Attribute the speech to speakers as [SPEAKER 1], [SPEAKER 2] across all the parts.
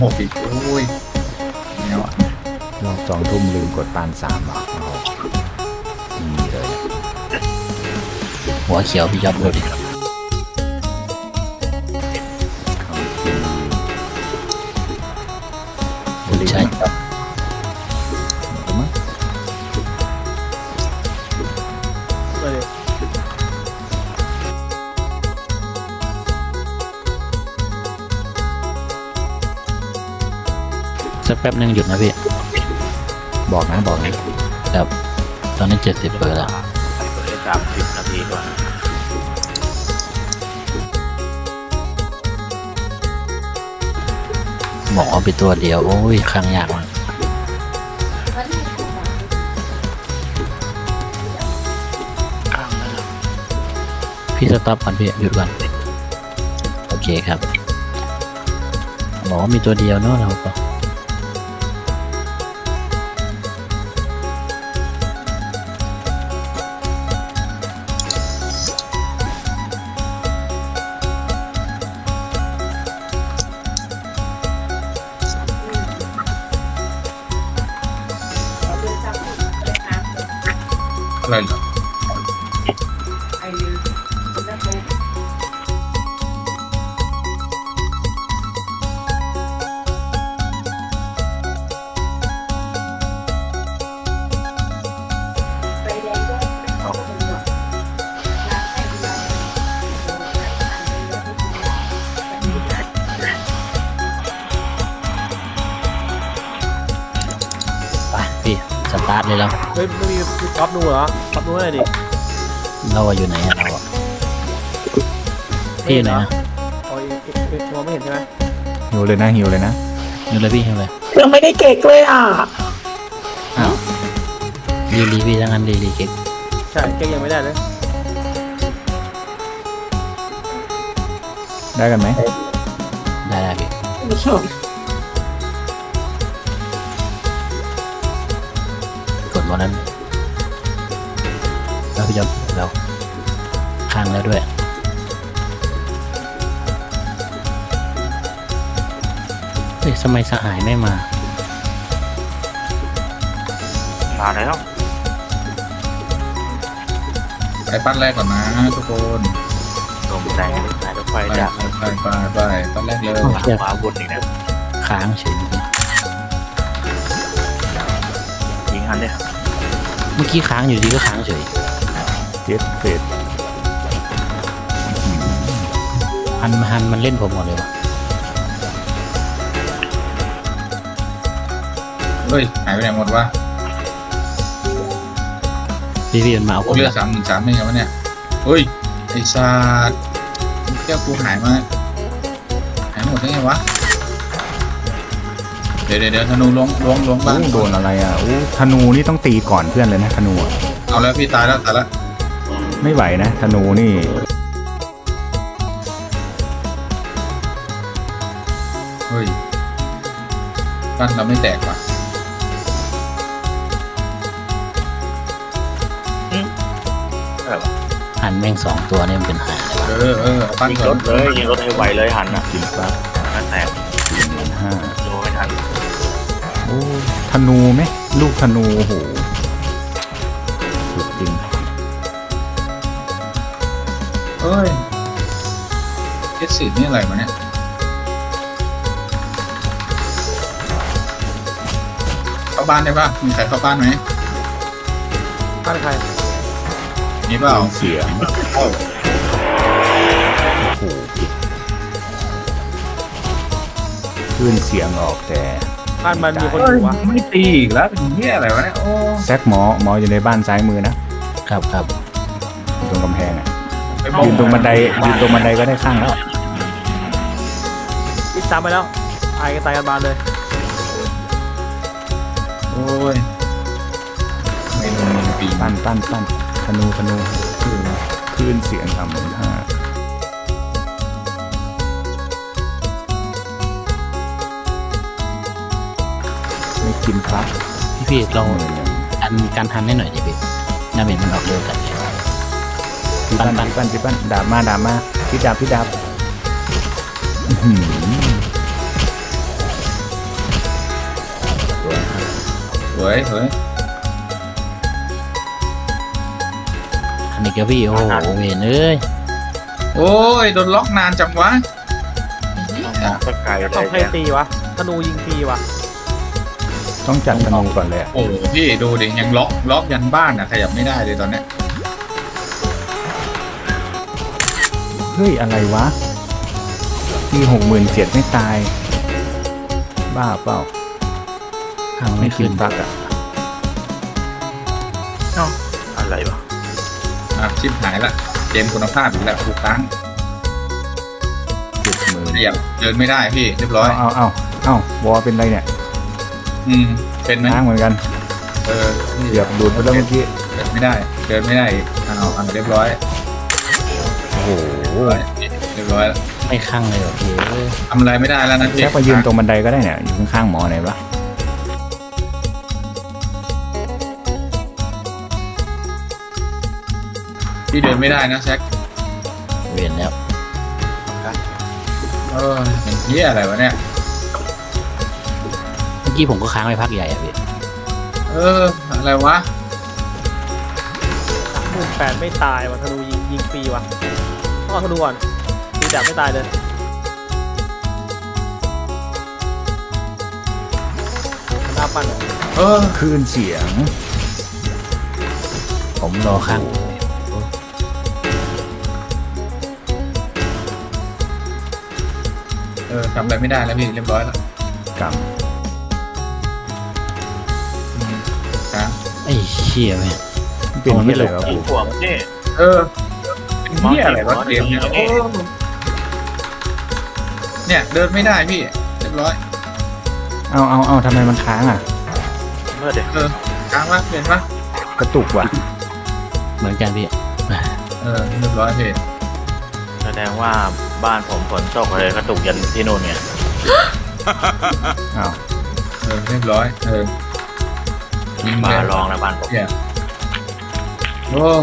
[SPEAKER 1] 6อีกโอ้ยเนี่ยว่ะ
[SPEAKER 2] รอบ2 ทุ่มลืมกดปาน3อ่ะนี่เลย
[SPEAKER 3] หัวเขียวพี่ยอดดูดิ ใช่ครับ
[SPEAKER 2] มั้ง
[SPEAKER 4] ไปเลย
[SPEAKER 3] สักแป๊บนึงหยุดนะพี่
[SPEAKER 2] บอกนะ
[SPEAKER 3] ครับตอนนี้70เปอร์แล้ว
[SPEAKER 4] เปิดได้30 นาทีก่อน
[SPEAKER 3] หมอไปตัวเดียวโอ้ยครั้งยากมากพี่สต็อปก่อนพี่หยุดก่อนโอเคครับหมอมีตัวเดียวเนอะเราก็
[SPEAKER 1] อะไรเหรอ
[SPEAKER 3] ไปพี่สตาร์ทเลยแล้ว
[SPEAKER 4] เฮ้ยไม่มีท็อปนูเหรอท็อปนูอะไรดิ
[SPEAKER 3] เราอะอยู่ไหนอะเราอะพี่อยู่ไหนนะ
[SPEAKER 4] อ๋อมองไม่เห็นใช่ไหม
[SPEAKER 2] หิวเลยนะ
[SPEAKER 3] อยู่เลยพี่อยู่เลย
[SPEAKER 5] ยังไม่ได้เก๊กเลยอ่ะ
[SPEAKER 2] อ้าว
[SPEAKER 3] รีพี่ทั้งนั้นรีเก๊ก
[SPEAKER 4] ใช่เก๊กยังไม่ได้เลย
[SPEAKER 2] ได้กันไหม
[SPEAKER 3] ได้พี่กดวันนั้นแล้วพี่จะเราข้างแล้วด้วยเฮ้ยทำไมสหายไม่มา
[SPEAKER 4] มาแล้ว
[SPEAKER 1] ไปปั้นแรกก่อนนะทุกคน
[SPEAKER 4] ลงใจสายรถไฟ
[SPEAKER 1] ไป
[SPEAKER 4] จาก
[SPEAKER 1] ไปปั้นแรกเลย
[SPEAKER 4] ขวาบนอีกนะ
[SPEAKER 3] ค้างเฉย
[SPEAKER 4] ยิงอันเนี่ย
[SPEAKER 3] เมื่อกี้ค้างอยู่ดีก็ค้างเฉย
[SPEAKER 2] เจ็ดเฟส
[SPEAKER 3] ฮันมันเล่นผมหมดเลยวะ
[SPEAKER 1] เฮ้ยหายไปไหนหมดวะ
[SPEAKER 3] พี่มันมาเอาผ
[SPEAKER 1] โอ้
[SPEAKER 3] ม
[SPEAKER 1] เลือด
[SPEAKER 3] ละ
[SPEAKER 1] 313ไม่ใช่วะเนี่ยเฮ้ยไอ้ชาดแก้วกูหายมาหายหมดได้ไงวะเดี๋ยวธนูล้วงบ้าน
[SPEAKER 2] โดนอะไรอ่ะอู้ธนูนี่ต้องตีก่อนเพื่อนเลยนะธนูอะ
[SPEAKER 1] เอาแล้วพี่ตายแล้ว
[SPEAKER 2] ไม่ไหวนะธนูนี่
[SPEAKER 1] เฮ้ยบ้านเราไม่แตกว่ะ
[SPEAKER 3] หันแม่ง2 ตัวนี่มันเป็นหาเลยวะ
[SPEAKER 1] เอาปั้น
[SPEAKER 4] ยิง
[SPEAKER 1] ก่
[SPEAKER 4] ร
[SPEAKER 1] อน
[SPEAKER 4] ถเลยยิงรถให้ไวเลยหันอ่ะ
[SPEAKER 2] กินปั๊บ
[SPEAKER 4] นั่นแตก
[SPEAKER 2] 45,000
[SPEAKER 4] โดนไม่ทัน
[SPEAKER 2] โอ้ธนูไหมลูกธนูโอ้โหสุดจริง
[SPEAKER 1] เอ้ยเอสสินี่อะไรวะเนี่ยเข้าบ้านได้ป่ะมีใครเข้าบ้านไหม
[SPEAKER 4] บ้านใคร
[SPEAKER 1] มีเปล่า
[SPEAKER 2] เสียงโอ้โหคลื่นเสียงออกแต่
[SPEAKER 4] บ้านมันมีคนอยู่วะ
[SPEAKER 1] ไม่ตีอีกแล้วเป็นเหี้ยอะไรวะเนี่ยโอ้
[SPEAKER 2] แซกหมออยู่ในบ้านซ้ายมือนะครับ อยู่ตรงกำแพงอ่ะ
[SPEAKER 1] ไปบอก
[SPEAKER 2] ยืนตรงบันไดก็ได้ข้างแล้ว
[SPEAKER 4] อิดตามไปแล้วตายกันบานเลย
[SPEAKER 1] โอ้ยไม่ลงปี
[SPEAKER 2] ปั้นธนูคลื่นเสียง35,000ไม่กินครับ
[SPEAKER 3] พี่เราการหันให้หน่อยดิพี่ดาเมจมันออกเร็วกัน
[SPEAKER 2] ปั้นดาบมาพี่ดาบอื้อหือ
[SPEAKER 1] วยสวย
[SPEAKER 3] อันนี้ก็พี่โอ้โหเวนเอ้ย
[SPEAKER 1] โอ้ยโดนล็อกนานจังวะ
[SPEAKER 5] ก็ไกลเล
[SPEAKER 4] ต้อง
[SPEAKER 5] ย
[SPEAKER 4] ให้ตีวะธนูยิงตีวะ
[SPEAKER 2] ต้องจัดธนูก่อนเลยอะ
[SPEAKER 1] โอ้โหพี่ดูดิยังล็อกยันบ้านอ่ะขยับไม่ได้เลยตอนเนี้ย
[SPEAKER 2] เฮ้ยอะไรวะที่67,000ไม่ตาย บ้าเปล่า
[SPEAKER 3] ทาง
[SPEAKER 2] ไม่
[SPEAKER 3] ไม่
[SPEAKER 2] ขึ้
[SPEAKER 3] ขึ้
[SPEAKER 2] น
[SPEAKER 3] น
[SPEAKER 2] บักอะ
[SPEAKER 5] อะไรวะ
[SPEAKER 1] ชิบหายละเกมคุณภาพอีกแล้วทุกครั้ง
[SPEAKER 2] 70,000
[SPEAKER 1] ขยับเดินไม่ได้พี่เรียบร้อย
[SPEAKER 2] เอาวอเป็นไรเนี่ย
[SPEAKER 1] เป็นไหม
[SPEAKER 2] ค้างเหมือนกัน
[SPEAKER 1] พี่
[SPEAKER 2] เหยียบดูดไปแล้วเมื่อกี้
[SPEAKER 1] เดินไม่ได้อีกเอาเรียบร้อย
[SPEAKER 2] โอ้โห
[SPEAKER 1] เรียบร้อยแล้ว
[SPEAKER 3] ไม่ข้างเลยเหรอพี่เอ้ย
[SPEAKER 1] ทำอะไรไม่ได้แล้วนะพี่
[SPEAKER 2] แค่ไปยืนตรงบันไดก็ได้เนี่ยอยู่ข้างๆหมอไหนวะ
[SPEAKER 1] พี่เดินไม่ได้นะแซค
[SPEAKER 3] เวนแล้ว
[SPEAKER 1] เป็นเหี้ยอะไรวะเนี่ย
[SPEAKER 3] เมื่อกี้ผมก็ค้างไปพักใหญ่อะพี่
[SPEAKER 1] อะไรวะ
[SPEAKER 4] 18,000ไม่ตายวะธนูยิงฟรีวะต้องเอาธนูก่อนตีแบบไม่ตายเลยหน้าปั้นอะ
[SPEAKER 2] คลื่นเสียง
[SPEAKER 3] ผมรอข้าง
[SPEAKER 1] ทำอะไรไม่ได้แล้วพี่เรียบร้อยแล้ว
[SPEAKER 2] กรรม
[SPEAKER 1] ครับ
[SPEAKER 3] ไอ้เชี่ยแม่ง
[SPEAKER 2] เป็นที่อะไรวะ
[SPEAKER 5] ไอ้
[SPEAKER 2] กู
[SPEAKER 5] หัวมันนี่
[SPEAKER 1] เป็นเหี้ยอะไรวะเกมเนี่ยเนี่ยเดินไม่ได้พี่เรียบร้อย
[SPEAKER 2] เอาทำไมมันค้างอ่ะ
[SPEAKER 5] เมื่อเด็ก
[SPEAKER 1] ค้างวะเห็นปะ
[SPEAKER 2] กระตุกว่ะ
[SPEAKER 3] เหมือนกันพี่
[SPEAKER 1] เรียบร้อยพี่
[SPEAKER 5] แสดงว่าบ้านผมฝนตกเลยกระตุกยันที่นู่นเนี่ย
[SPEAKER 2] อ้าว
[SPEAKER 1] เรียบร้อยยิง
[SPEAKER 5] มา
[SPEAKER 1] เลย
[SPEAKER 5] ลองนะบ้านผม
[SPEAKER 1] เนี่ยโอ้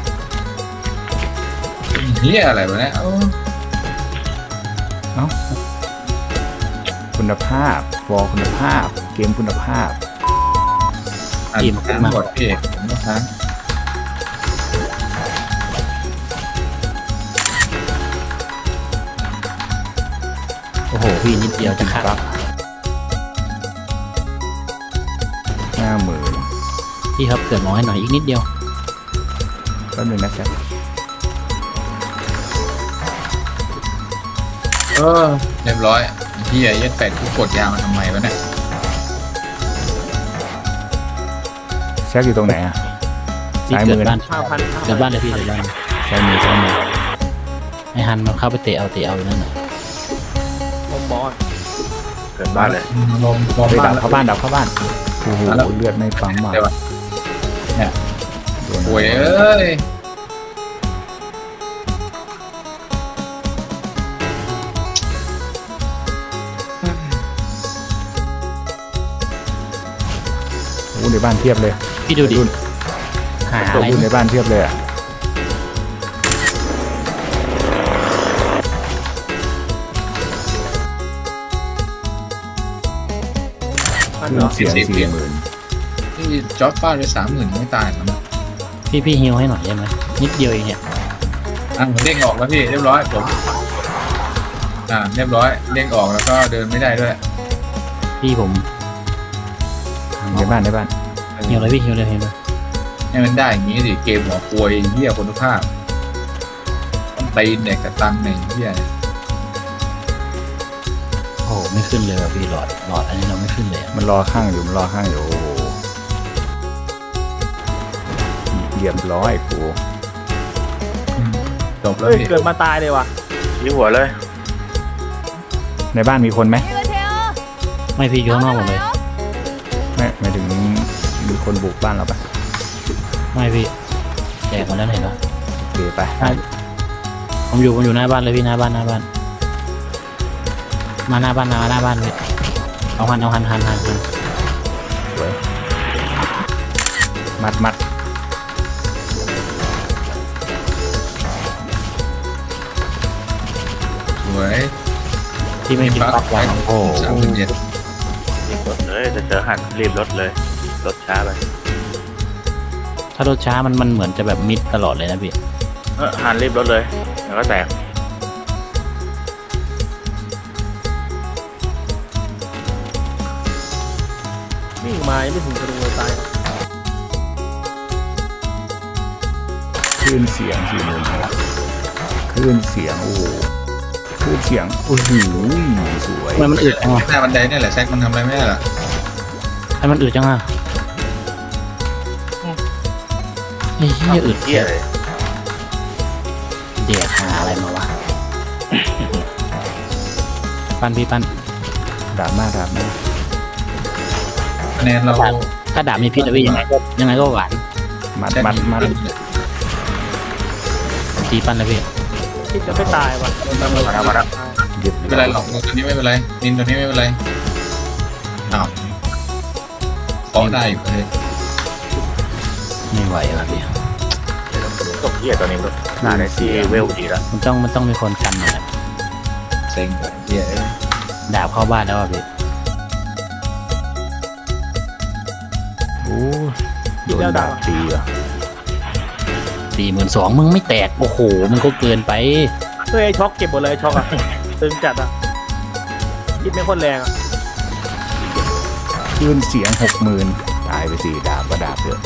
[SPEAKER 1] เหี้ยอะไรวะเนี่ย
[SPEAKER 2] คุณภาพวอคุณภาพ เกมคุณภาพ
[SPEAKER 1] ค้างหมดพี่ผมก็ค้าง
[SPEAKER 3] โอ้โหพี่นิดเดียวจะข้าง
[SPEAKER 2] 50,000
[SPEAKER 3] พี่ครับเกิดหมอให้หน่อยอีกนิดเดียว
[SPEAKER 2] แป๊บนึงนะแจ๊ค
[SPEAKER 1] เรียบร้อยเหี้ยยัดแปดกูกดยาวมาทำไมวะเนี่ย
[SPEAKER 2] แจ๊คอยู่ตรงไหนอ่ะ
[SPEAKER 3] พี่
[SPEAKER 2] ซ้าย
[SPEAKER 3] เกิ
[SPEAKER 2] มื
[SPEAKER 3] ด
[SPEAKER 2] อ
[SPEAKER 3] บ้าน
[SPEAKER 4] 5,000
[SPEAKER 3] เกิดบ้านเลยพี่เกิดบ้าน
[SPEAKER 2] ซ้ายมือ
[SPEAKER 3] ให้ฮันมันเข้าไปเตะเอาอยู่นั่นน่ะ
[SPEAKER 4] ผมบอล
[SPEAKER 5] เกิดบ้านเลย
[SPEAKER 1] ลม
[SPEAKER 2] เฮ้ย
[SPEAKER 1] บ้า
[SPEAKER 2] ดั
[SPEAKER 1] น
[SPEAKER 2] บเข้าบ้านดับเข้าบ้านโอ้โหเลือดไม่ปั๊มว่ะ
[SPEAKER 1] เดี๋ยวเนี่ย
[SPEAKER 2] โดน
[SPEAKER 1] โวยเอ้ย
[SPEAKER 2] โอ้ในบ้านเทียบเลย
[SPEAKER 3] พี่ดูดิ
[SPEAKER 2] รุ่น
[SPEAKER 3] หาอะไร
[SPEAKER 2] รุ่นในบ้านเทียบเลยอ่ะ
[SPEAKER 4] ปั้น
[SPEAKER 2] คลื่น
[SPEAKER 4] เนาะ
[SPEAKER 2] เสียง 40,000
[SPEAKER 1] ที่จ็อบฟาดไป30,000ไม่ตายนะ
[SPEAKER 3] พี่ฮิวให้หน่อยได้ไหมนิดเดียวเองเนี่ย
[SPEAKER 1] เด้งออกแล้วพี่เรียบร้อยผมเรียบร้อยเด้งออกแล้วก็เดินไม่ได้ด้วย
[SPEAKER 3] พี่ผม
[SPEAKER 2] ในบ้าน
[SPEAKER 3] ฮิวเลยพี่ฮิวเลย
[SPEAKER 1] ให้มันได้อย่างนี้สิเกมหัวควยเหี้ยคุณภาพต้องตีนเนี่ยกับตังเนี่ยเหี้ย
[SPEAKER 3] โอ้โหไม่ขึ้นเลยว่ะพี่หลอดอันนี้เราไม่ขึ้นเลยอะ
[SPEAKER 2] มันรอข้างอยู่โอ้โหเรียบร้อยกู
[SPEAKER 1] จบแล้ว
[SPEAKER 4] เฮ้ย
[SPEAKER 1] พี่
[SPEAKER 4] เกิดมาตายเลยว่ะ
[SPEAKER 5] ยี่หัวเลย
[SPEAKER 2] ในบ้านมีคนไหม
[SPEAKER 3] ไม่พี่อยู่ข้างนอกหมดเลย
[SPEAKER 2] ไม่หมายถึงมีคนบุกบ้านเราปะ
[SPEAKER 3] ไม่พี่แจกหมดแล้วเห็นปะ
[SPEAKER 2] โอเคไป
[SPEAKER 3] ผมอยู่หน้าบ้านเลยพี่หน้าบ้านมาหน้าบ้านเลยเอาหัน
[SPEAKER 2] สวยมัด
[SPEAKER 1] สวย
[SPEAKER 3] ที่ไม่กินปักวางโอ้โห
[SPEAKER 1] 30,000
[SPEAKER 5] รีบรถเลยจะเจอหันรีบรถเลยรถช้าไป
[SPEAKER 3] ถ้ารถช้ามันเหมือนจะแบบมิดตลอดเลยนะพี่
[SPEAKER 5] หันรีบรถเลยเดี๋ยวก็แตก
[SPEAKER 4] วิ่งมายังไม่ถึงธนูเลยตาย
[SPEAKER 2] คลื่นเสียง4,000คลื่นเสียงโอ้โหคลื่นเสียงโอ้โหสวย
[SPEAKER 3] ทำไมมันอึดจังอ่ะ
[SPEAKER 1] หน้าบันไดเนี่ยแหละแซกมันทำอะไรไม่ได้หรอ
[SPEAKER 3] ทำไมมันอึดจังอ่ะไอ้เหี้ยอึด
[SPEAKER 5] เที่ยเลย
[SPEAKER 3] เดี๋ยวหาอะไรมาวะ ปั้นพี่ปั้น
[SPEAKER 2] ดราม่า
[SPEAKER 1] คะแนนเรา
[SPEAKER 3] ถ้าดาบมีพิษนะพี่ยังไงก็หวาน
[SPEAKER 2] มัด
[SPEAKER 1] แซก
[SPEAKER 3] ตีปั้นนะพี่
[SPEAKER 4] คิดจะไม่ตายว่ะ
[SPEAKER 5] มาแล้วมาแล้ว
[SPEAKER 2] ยึด
[SPEAKER 1] ไม่เป็นไรหรอกตัวนี้ไม่เป็นไรนินตัวนี้ไม่เป็นไรอ้าวฟ้องได้อยู่เลย
[SPEAKER 3] ไม่ไหวแล้วพี่
[SPEAKER 5] ตกเที่ยตัวนี้รถหน้าในที่เวลดีแล้ว
[SPEAKER 3] มันต้องมีคนกันหน่อยนะ
[SPEAKER 1] เซ็งเลยเหี้ย
[SPEAKER 3] ดาบเข้าบ้านแล้วอ่ะพี่
[SPEAKER 2] โอ้โดนดาบตีอ่ะ
[SPEAKER 3] 42,000มึงไม่แตกโอ้โหมันก็เกินไป
[SPEAKER 4] เฮ้ยไอ้ช็อกเก็บหมดเลยไอ้ช็อกอะตึงจัดอะคิดไม่ค่อยแรงอะ
[SPEAKER 2] คลื่นเสียง60,000ตายไป4ดาบก็ดาบเยอะ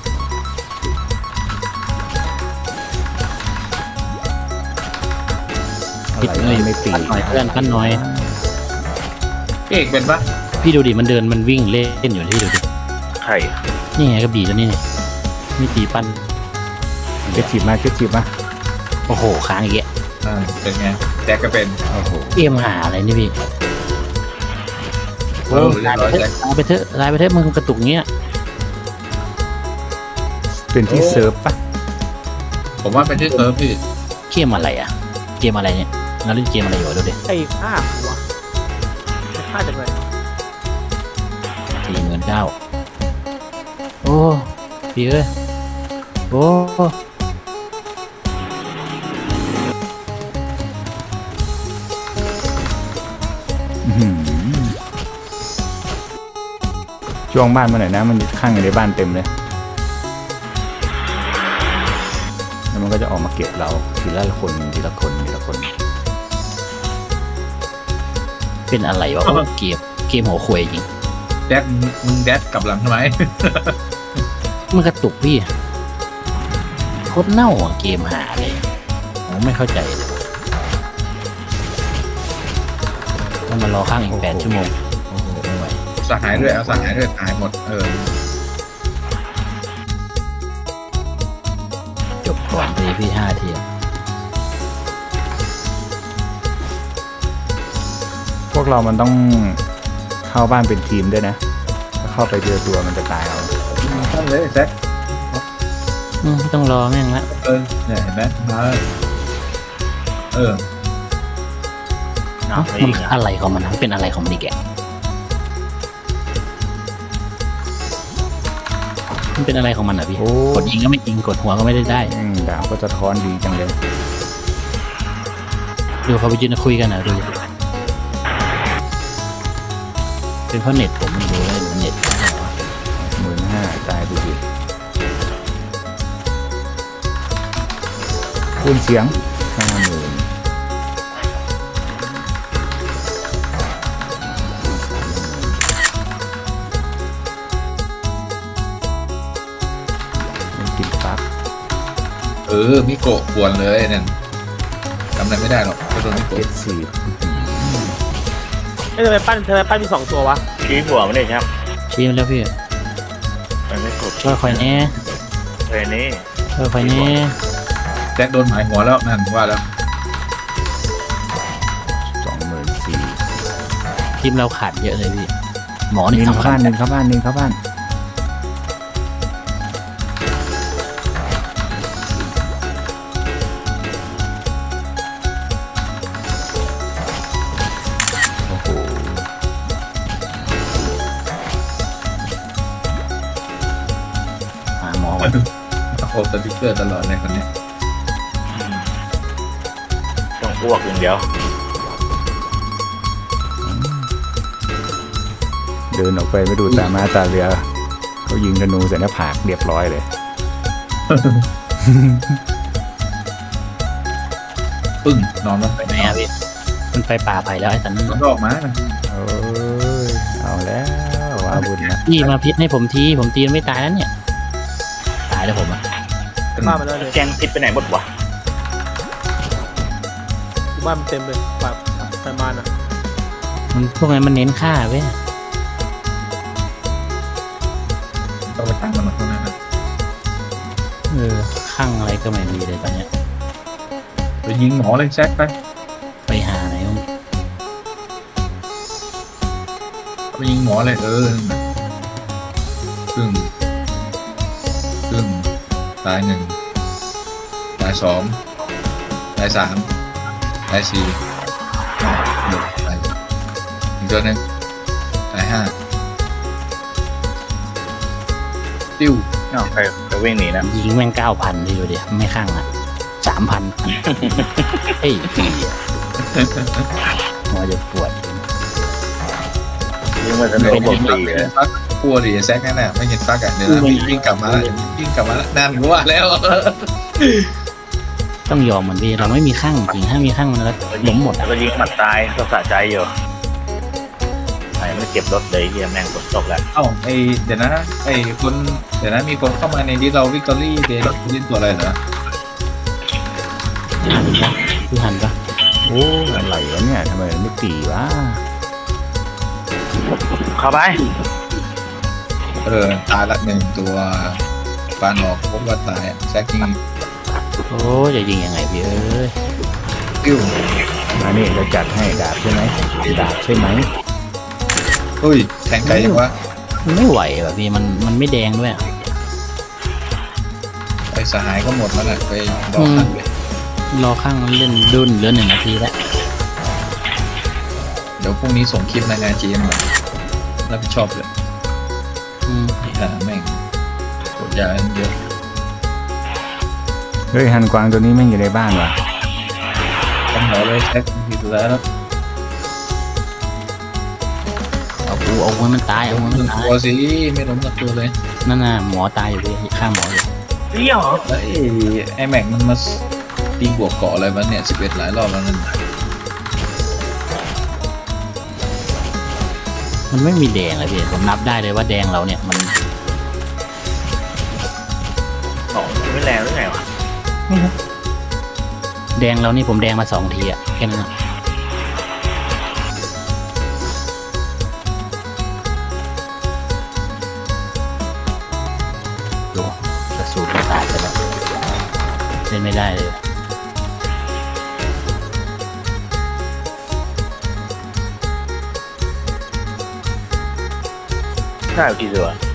[SPEAKER 2] อะไรไม่ตี
[SPEAKER 3] ปั้นหน่อยเพื่อนปั้นหน่อย
[SPEAKER 1] พี่เอกเป็นปะ
[SPEAKER 3] พี่ดูดิมันเดินมันวิ่งเล่นอยู่ที่ดูดิ
[SPEAKER 5] ไข่
[SPEAKER 3] นี่ไงกระบี่ตัวนี้นี่ไม่ตีปั้น
[SPEAKER 2] เก็ตฉีบมา
[SPEAKER 3] โอ้โหค้างอีกแล้ว
[SPEAKER 1] เป็นไงแซกก็เป็น
[SPEAKER 2] โอ้โห
[SPEAKER 3] เกมหาอะไรนี่พี่
[SPEAKER 1] เรียบร้อยแซก
[SPEAKER 3] ลายไปเถอะมึงกระตุกเงี้ย
[SPEAKER 2] เป็นที่เซิร์ฟปะ
[SPEAKER 1] ผมว่าเป็นที่เซิร์ฟพี่
[SPEAKER 3] เกมอะไรอ่ะเกมอะไรเนี่ยเราเล่นเกมอะไรอยู่ดูดิ
[SPEAKER 4] ไอ้ฆ่าหัวฆ่าจากไหน
[SPEAKER 3] 49,000โอ้พี่เอ้ยโอ้
[SPEAKER 2] อื้อหือช่วงบ้านมาหน่อยนะมันข้างอยู่ในบ้านเต็มเลยแล้วมันก็จะออกมาเก็บเราทีละคนทีละคน
[SPEAKER 3] เป็นอะไรวะโอ้เกมหัวควยจริง
[SPEAKER 1] แดดมึงแดดกลับหลังทำไม
[SPEAKER 3] มันกระตุกพี่โคตรเน่าอ่ะเกมหาเลยผมไม่เข้าใจเลยต้องมารอข้างอีก8 ชั่วโมงโอ้โหไม่ไหว
[SPEAKER 1] สหายด้วยเอาสหายด้วยหายหมด
[SPEAKER 3] จบก่อนตีพี่5 ที
[SPEAKER 2] พวกเรามันต้องเข้าบ้านเป็นทีมด้วยนะถ้าเข้าไปเจอตัวมันจะตายเอา
[SPEAKER 1] ตั้งเลยแซก
[SPEAKER 3] ไม่ต้องรอแม่งละ
[SPEAKER 1] เนี่ยเห็นไหมมา
[SPEAKER 3] เ
[SPEAKER 5] เอา
[SPEAKER 3] อ้ามันอะไรของมันเป็นอะไรของมันอีกแกมันเป็นอะไรของมันอ่ะพี่
[SPEAKER 2] โอ้
[SPEAKER 3] กดยิงก็ไม่ยิงกดหัวก็ไม่ได้
[SPEAKER 2] ดาบก็จะท้อนดีจังเลย
[SPEAKER 3] ดูเขาไปยืนคุยกันนะดูเป็นเพราะเน็ตผมไม่รู้เลยเน็ต
[SPEAKER 2] 15,000ตายไปดิคูณเสียง 50,000มันกินปั๊บ
[SPEAKER 1] มิโกะกวนเลยเนี่ยทำอะไรไม่ได้หรอกก็โดนมิโกะ
[SPEAKER 2] เก็ตสี
[SPEAKER 4] ไอ้ทำไมปั้นมี2 ตัววะ
[SPEAKER 5] ชี้หัวมันเลยครับ
[SPEAKER 3] ชี้มาแล้วพี่
[SPEAKER 5] มันไม่กด
[SPEAKER 3] ช่วยคอยแน่
[SPEAKER 5] เลยนี่
[SPEAKER 3] ช่วยคอยแน่
[SPEAKER 1] แซกโดนหมายหัวแล้วนั่นว่าแล้ว
[SPEAKER 2] 24,000
[SPEAKER 3] ทีมเราขาดเยอะเลยพี่หมอนี่
[SPEAKER 2] นิน
[SPEAKER 3] สำคั
[SPEAKER 2] เข้า
[SPEAKER 3] ญ
[SPEAKER 2] บ้านนินเข้าบ้านโอ้โห
[SPEAKER 3] หาหมอก่อน
[SPEAKER 1] โอ้สติ๊กเกอร์ตลอดเลยคนเนี้ย
[SPEAKER 5] ต้องอ้วกอย่างเดียว
[SPEAKER 2] เดินออกไปไม่ดูตามาตาเรือเขายิงธนูใส่หน้าผากเรียบร้อยเลย
[SPEAKER 1] ปึ้งนอนลงไป
[SPEAKER 3] ไหนอะพี่มันไปป่าไผ่แล้วไอ้ตันนั่น
[SPEAKER 1] มัน
[SPEAKER 3] น่ะ
[SPEAKER 1] ก็ออกมา
[SPEAKER 2] โอ้ยเอาแล้วว่าบุญนะ
[SPEAKER 3] พี่มาพิษให้ผมทีผมตีมันไม่ตายแล้วเนี่ยตายแล้วผมอะ
[SPEAKER 4] บ้านมันแล้วเลย
[SPEAKER 5] แกงพิษไปไหนหมดวะ
[SPEAKER 4] บ้านมันเต็มเลยแบบประมาณอ่ะ
[SPEAKER 3] มันพวกนั้นมันเน้นฆ่าเว้ย
[SPEAKER 1] ต้องไปตั้งมันมาตรงนั้นนะ
[SPEAKER 3] ข้างอะไรก็ไม่มีเลยตอนเนี้ย
[SPEAKER 1] ไปยิงหมอเลยแซกไป
[SPEAKER 3] ไปหาไหนวะ
[SPEAKER 1] ไปยิงหมอเลยครึ่งตาย1ตาย2ตาย3ตาย4ตายอีกตัวหนึงตาย5ติ้ว
[SPEAKER 5] เอ้าใครวิ่งหนีนะ
[SPEAKER 3] ยิงแม่ง9,000พี่ดูดิไม่ข้างอ่ะ3,000เฮ้ยหัวจะปวด
[SPEAKER 5] ยิงมาสนุกบวก4เลย
[SPEAKER 1] ฟักกลัวดิแซกนั่นแหละไม่เห็นฟักอ่ะเดี๋ยวนะวิ่งกลับมาแล้วนั่นกูว่าแล้ว
[SPEAKER 3] ต้องยอมมันพี่เราไม่มีข้างจริงถ้ามีข้างมันแล้วล้มหมด
[SPEAKER 5] แล้วก็ยิงหมัดตายก็สะใจอยู่ไหนไม่เก็บรถเลยเฮียแม่งฝนตกแล้ว
[SPEAKER 1] เอ้าเดี๋ยวนะเดี๋ยวนะมีคนเข้ามาในนี้เราวิกตอรี่เดย์เล่นตัวอะไรเหรอ
[SPEAKER 3] หันปะคือหันปะ
[SPEAKER 2] โอ้อะไรวะเนี่ยทำไมไม่ตีวะ
[SPEAKER 5] เข้าไป
[SPEAKER 1] ตายละ1ตัวปานออกพบว่าตายแซกยิง
[SPEAKER 3] โอ้จะยิงยังไงพี่เอ้ย
[SPEAKER 1] ติ้ว
[SPEAKER 2] มานี่เราจัดให้ดาบใช่ไหมดาบใช่ไหม
[SPEAKER 1] เฮ้ยแทงไกลยังวะ
[SPEAKER 3] มันไม่ไหวแบบพี่มันไม่แดงด้วยอะ
[SPEAKER 1] ไอ้สหายก็หมดแล้วนะไปรอขันเลย
[SPEAKER 3] รอข้างมันเล่นดุนเหลือ1 นาทีแล้ว
[SPEAKER 1] เดี๋ยวพรุ่งนี้ส่งคลิปรายงานจีนมารับผิดชอบเลย
[SPEAKER 3] อืม
[SPEAKER 1] แม่งกดยาเยอะ
[SPEAKER 2] เฮ้ยฮันกวางตัวนี้แม่งอยู่ในบ้านวะ
[SPEAKER 1] ต้องหมอเลยแซกทีสุดแล้ว
[SPEAKER 3] เอามันตายเอามัน
[SPEAKER 1] หนึ่ง
[SPEAKER 3] ตาย
[SPEAKER 1] ตัวสิไม่ล้มกับตัวเลย
[SPEAKER 3] นั่นน่ะหมอตายอยู่พี่ข้างหมออยู่
[SPEAKER 5] เลี้ยวเหรอ
[SPEAKER 1] แล้วไอ้แม็กมันมาตีบวกเกาะอะไรวะเนี่ย11หลายรอบแล้วนั่น
[SPEAKER 3] มันไม่มีแดงเลยพี่ผมนับได้เลยว่าแดงเราเนี่ยมัน
[SPEAKER 5] ของไม่แรงหรือไงวะ
[SPEAKER 3] แดงเรานี่ผมแดงมา2 ทีอะแค่นั้นอะดูกระสุนขาดไปแล้วเล่นไม่ได้เลย
[SPEAKER 5] ใช่กี่ตัว